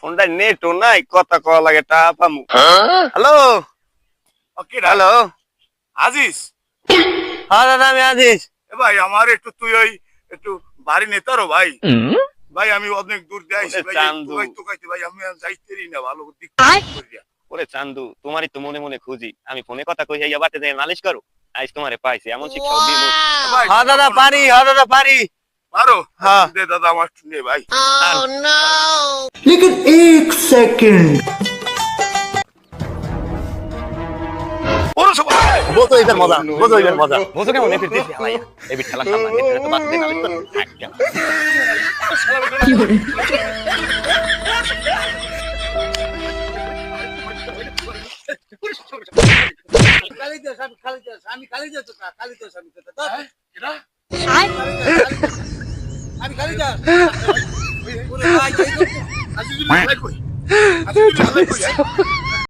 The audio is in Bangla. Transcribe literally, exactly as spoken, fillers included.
ফোনটা নেটও নাই, কথা কওয়া লাগে টা পামু। হ্যালো ওকে হ্যালো, আজিজ, হ্যাঁ দাদা আমি আজিজ। এ ভাই আমার একটু তুই ওই একটু বাড়ি নেতারো ভাই। ভাই আমি অনেক দূর দিয়ে আইছি ওরে ভাই, চান্দু। তোকাই তোকাইতে ভাই আমি আর যাইতেরি না ভালো দিক করিয়া। ওরে চান্দু, তোমারই তো মনে মনে খুঁজি, আমি ফোনে কথা কই যাইয়া বাটে যাই নালিশ করো। আজ তোমারে পাইছি, এমন শিক্ষাও দিমু। এ ভাই, হ্যাঁ দাদা পারি, হ্যাঁ দাদা পারি। পারো? হ্যাঁ। দে দাদা আমার একটু নে ভাই। लेकिन एक सेकंड ওরে সবাই বোঝো এটার মজা, বোঝো এটার মজা। বোঝো কেমন এফির দিছি হালাইয়া। এবি ঠেলা সামনে নেটে তো বাদ দে নালিশ কর। থাক গেল। কালিদাস আমি কালিদাস আমি কালিদাস না কালিদাস আমি দাদা এরা আমি কালিদাস ওরে ভাই আজিজুল ভাই কই? আজিজুল ভাই কই?